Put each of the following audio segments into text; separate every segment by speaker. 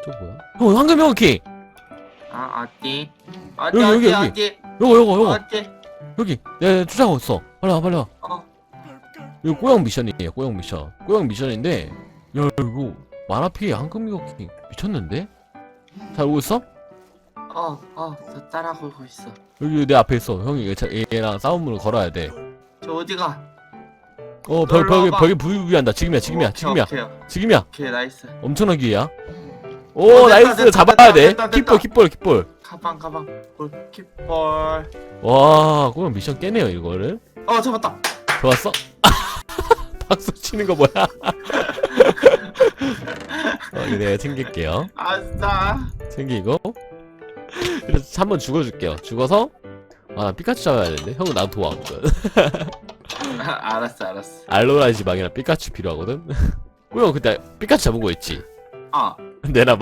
Speaker 1: 저 뭐야? 형 황금 명키.
Speaker 2: 아 어디?
Speaker 1: 여기. 요거.
Speaker 2: 어디?
Speaker 1: 여기. 야 주장 없어. 빨리 와.
Speaker 2: 어.
Speaker 1: 이거 꼬형 미션이에요. 꼬형 미션. 꼬형 미션인데 야 이거 만화 피해 황금 명키 미쳤는데? 잘 오고 있어?
Speaker 2: 저 따라가고 있어.
Speaker 1: 여기 내 앞에 있어. 형이 얘랑 싸움을 걸어야 돼.
Speaker 2: 저 어디가?
Speaker 1: 벽에 부비한다. 지금이야. 지금이야.
Speaker 2: 오케이 나이스.
Speaker 1: 엄청난 기회야. 오
Speaker 2: 됐다,
Speaker 1: 나이스.
Speaker 2: 됐다,
Speaker 1: 잡아야 돼.
Speaker 2: 됐다.
Speaker 1: 깃볼.
Speaker 2: 가방. 볼.
Speaker 1: 와 꼬형 미션 깨네요 이거를.
Speaker 2: 잡았다.
Speaker 1: 좋았어? 박수 치는 거 뭐야? 이거 내가 챙길게요.
Speaker 2: 아싸.
Speaker 1: 챙기고. 그래서 한번 죽어줄게요. 죽어서 피카츄 잡아야 되는데 형은 나도 도와거든.
Speaker 2: 알았어.
Speaker 1: 알로라 지방이랑 피카츄 필요하거든. 꼬형 그때 피카츄 잡은 거 있지? 내놔봐.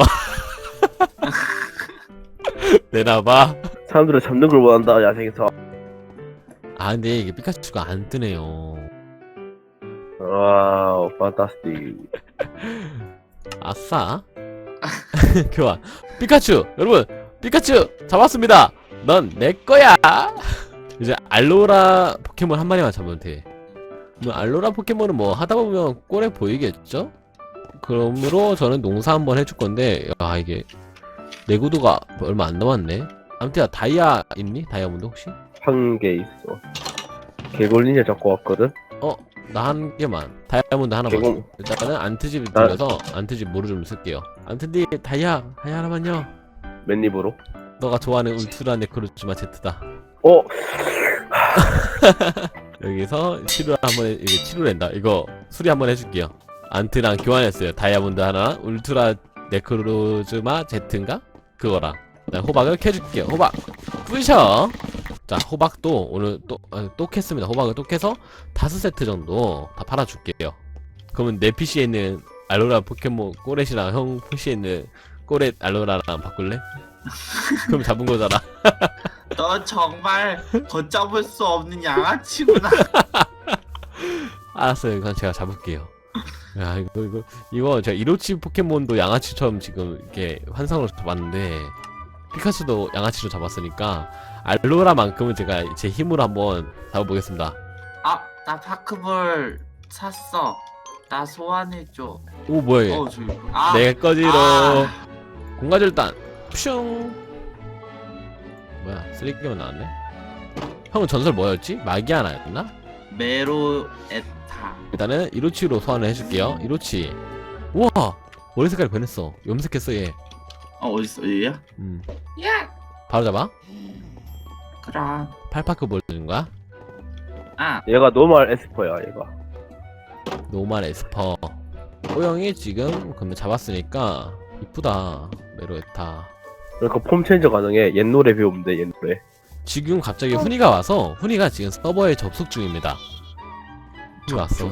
Speaker 1: 내놔봐.
Speaker 3: 사람들은 잡는 걸 원한다 야생에서.
Speaker 1: 근데 이게 피카츄가 안 뜨네요.
Speaker 3: 와우 판타스틱.
Speaker 1: 아싸. 교환. 피카츄 여러분 피카츄 잡았습니다. 넌 내 거야. 이제 알로라 포켓몬 한 마리만 잡으면 돼. 알로라 포켓몬은 뭐 하다 보면 꼴에 보이겠죠? 그러므로 저는 농사 한번 해줄 건데 이게 내구도가 얼마 안 남았네. 아무튼 다이아 있니? 다이아몬드 혹시?
Speaker 3: 한 개 있어. 개골린을 잡고 왔거든.
Speaker 1: 나 한 개만. 다이아몬드 하나만.
Speaker 3: 개공.
Speaker 1: 일단은 안트집 들려서 안트집 모루 좀 쓸게요. 안트님 다이아 하나만요.
Speaker 3: 맨입으로.
Speaker 1: 너가 좋아하는 울트라 네크로즈마 Z다. 여기서 치료를 한번 이게 치료를 한다. 이거 수리 한번 해줄게요. 안트랑 교환했어요. 다이아몬드 하나, 울트라 네크로즈마 Z인가? 그거랑. 호박을 캐줄게요. 호박 뿌셔. 자 호박도 오늘 또 캤습니다. 호박을 또 캐서 5세트 정도 다 팔아줄게요. 그러면 내 PC에 있는 알로라 포켓몬 꼬렛이랑 형 PC에 있는 꼬렛 알로라랑 바꿀래? 그럼 잡은 거잖아.
Speaker 2: 너 정말 걷잡을 수 없는 양아치구나.
Speaker 1: 알았어요. 그럼 제가 잡을게요. 야 이거 제가 이로치 포켓몬도 양아치처럼 지금 이렇게 환상으로 잡았는데 피카츄도 양아치로 잡았으니까 알로라만큼은 제가 제 힘으로 한번 잡아보겠습니다.
Speaker 2: 나 파크볼 샀어. 나 소환해줘.
Speaker 1: 오 뭐야 얘.
Speaker 2: 저기.
Speaker 1: 내 거지로. 공가절단 퓨숑. 뭐야 쓰레기만 나왔네. 형은 전설 뭐였지? 마기아 나였나?
Speaker 2: 메로에타.
Speaker 1: 일단은 이로치로 소환을 해줄게요. 이로치. 우와 머리 색깔이 변했어. 염색했어 얘.
Speaker 2: 어딨어 얘야? 야.
Speaker 1: 바로 잡아.
Speaker 2: 그럼.
Speaker 1: 팔파크 보여주는 거야?
Speaker 3: 얘가 노멀 에스퍼야 얘가.
Speaker 1: 노말 에스퍼. 호영이 지금 그러면 잡았으니까 이쁘다. 메로에타.
Speaker 3: 그러니까 폼 체인저 가능해. 옛 노래 배우면 돼. 옛 노래.
Speaker 1: 지금 갑자기 훈이가 와서 훈이가 지금 서버에 접속 중입니다. 훈이 왔어.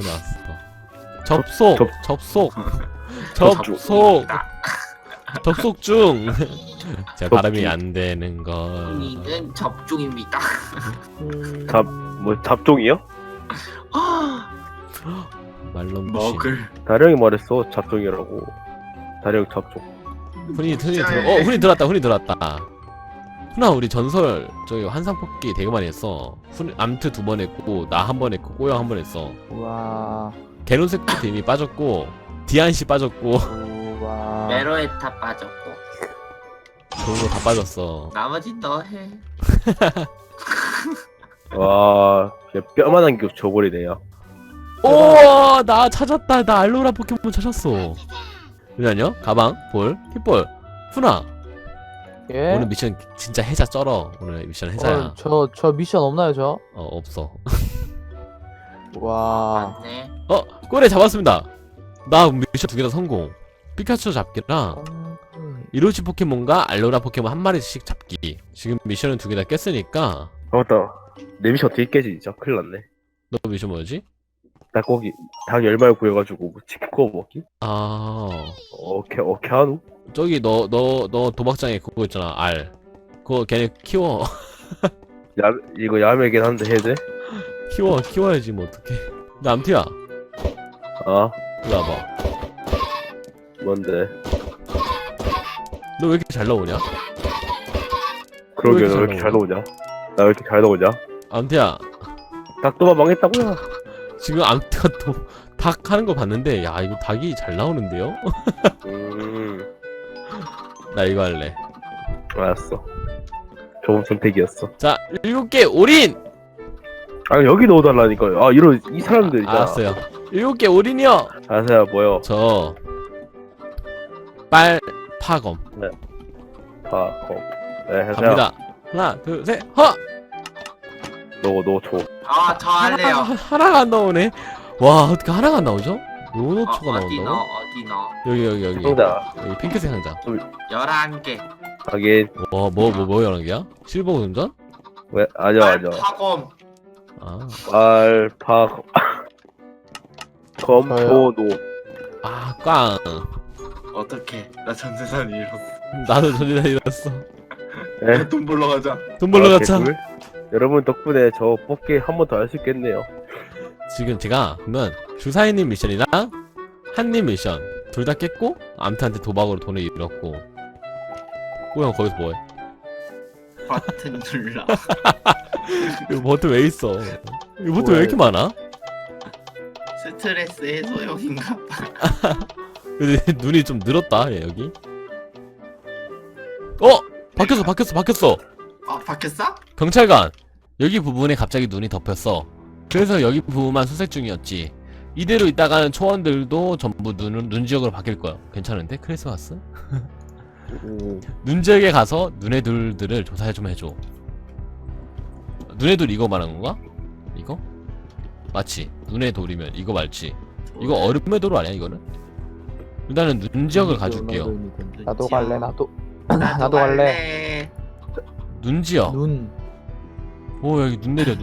Speaker 1: 접속 중. 제 발음이 안 되는 걸.
Speaker 2: 우리는 접종입니다.
Speaker 3: 잡종이요?
Speaker 1: 말론
Speaker 2: 먹을.
Speaker 3: 다령이 말했어 잡종이라고. 다령 잡종.
Speaker 1: 훈이 들어왔다. 훈이 들어왔다. 훈아 우리 전설 저기 환상 뽑기 되게 많이 했어. 암트 2번 했고 나 한 번 했고 꼬영 한 번 했어.
Speaker 4: 와.
Speaker 1: 개론색도 이미 빠졌고 디안씨 빠졌고
Speaker 4: 와.
Speaker 2: 메로에타 빠졌고.
Speaker 1: 좋은 거 다 빠졌어.
Speaker 2: 나머지 너 해.
Speaker 3: 와, 그냥 뼈만한 게 저고리네요.
Speaker 1: 오, 나 찾았다. 나 알로라 포켓몬 찾았어. 잠시만요. 가방, 볼, hit볼. 훈아,
Speaker 4: 예?
Speaker 1: 오늘 미션 진짜 해자 쩔어. 오늘 미션 해자야.
Speaker 4: 저 미션 없나요, 저?
Speaker 1: 없어.
Speaker 4: 와.
Speaker 2: 맞네.
Speaker 1: 꼬레 잡았습니다. 나 미션 2개 다 성공. 피카츄 잡기랑 이로치 포켓몬과 알로라 포켓몬 한 마리씩 잡기. 지금 미션은 2개 다 깼으니까.
Speaker 3: 맞다. 내 미션 어떻게 깨지 진짜 큰일 났네.
Speaker 1: 너 미션 뭐였지?
Speaker 3: 닭고기 닭 10마리 구해가지고 뭐 치킨 구워 먹기?
Speaker 1: 오케이
Speaker 3: 하누?
Speaker 1: 저기 너 도박장에 그거 있잖아. 알. 그거 걔네 키워.
Speaker 3: 이거 야매긴 한데 해야 돼?
Speaker 1: 키워야지 뭐 어떡해. 나 암티야.
Speaker 3: 아
Speaker 1: 이리 와봐.
Speaker 3: 뭔데?
Speaker 1: 너 왜 이렇게 잘 나오냐?
Speaker 3: 그러게
Speaker 1: 왜
Speaker 3: 너 왜
Speaker 1: 이렇게
Speaker 3: 이렇게 잘 나오냐? 나 왜 이렇게 잘 나오냐?
Speaker 1: 암태야,
Speaker 3: 닭도만 망했다고요?
Speaker 1: 지금 암태가 또 닭 하는 거 봤는데, 야, 이거 닭이 잘 나오는데요? 나 이거 할래.
Speaker 3: 알았어. 좋은 선택이었어.
Speaker 1: 자, 7개 올인!
Speaker 3: 아 여기 넣어달라니까요. 아 이런 이 사람들 있잖아.
Speaker 1: 알았어요. 7개 올인이요!
Speaker 3: 아세요 뭐요?
Speaker 1: 저, 파검.
Speaker 3: 네 해세요.
Speaker 1: 갑니다. 하나, 둘, 셋, 허!
Speaker 3: 너 줘.
Speaker 2: 저 할래요.
Speaker 1: 하나가 안 나오네. 와, 어떻게 하나가 안 나오죠? 요노초가
Speaker 2: 어디 넣어?
Speaker 1: 나온다고?
Speaker 2: 어디 넣어?
Speaker 1: 여기.
Speaker 3: 상자.
Speaker 1: 여기 핑크색 상자.
Speaker 2: 11개.
Speaker 3: 하긴
Speaker 1: 와, 뭐 여러 개야? 실버 운전?
Speaker 3: 왜 아니야.
Speaker 2: 파검.
Speaker 1: 아,
Speaker 3: 알파 검포노.
Speaker 1: 꽝.
Speaker 2: 어떡해. 나 전재산 잃었어.
Speaker 1: 나도 전리다 잃었어.
Speaker 3: 네.
Speaker 2: 돈 벌러 가자.
Speaker 1: 돈 벌러 가자.
Speaker 3: 개꿀. 여러분 덕분에 저 뽑기 한 번 더 할 수 있겠네요.
Speaker 1: 지금 제가 그러면 주사위님 미션이랑 한님 미션 둘 다 깼고 암트한테 도박으로 돈을 잃었고 꼬형 거기서 뭐해?
Speaker 2: 버튼 눌러.
Speaker 1: 이거 버튼 왜 있어? 이거 버튼 왜 이렇게 많아?
Speaker 2: 스트레스 해소용인가 봐.
Speaker 1: 근데 눈이 좀 늘었다 얘 여기. 바뀌었어.
Speaker 2: 바뀌었어?
Speaker 1: 경찰관 여기 부분에 갑자기 눈이 덮였어. 그래서 여기 부분만 수색 중이었지. 이대로 있다가는 초원들도 전부 눈 지역으로 바뀔 거야. 괜찮은데? 크리스마스? 눈 지역에 가서 눈의 돌들을 조사 좀 해줘. 눈의 돌 이거 말하는 건가? 이거? 맞지? 눈의 돌이면 이거 맞지? 이거 얼음의 돌 아니야 이거는? 일단은 눈 지역을 가줄게요.
Speaker 4: 나도 갈래 나도
Speaker 2: 나도
Speaker 4: 나도 갈래.
Speaker 1: 눈 지역.
Speaker 4: 눈
Speaker 1: 오 여기 눈 내려.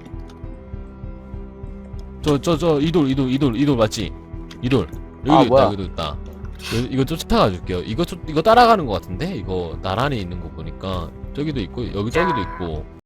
Speaker 1: 이돌 맞지? 이돌 여기도
Speaker 4: 아,
Speaker 1: 있다.
Speaker 4: 뭐야?
Speaker 1: 여기도 있다. 이거 쫓아가 줄게요. 이거 따라가는 것 같은데? 이거 나란히 있는 거 보니까 저기도 있고 여기 저기도 있고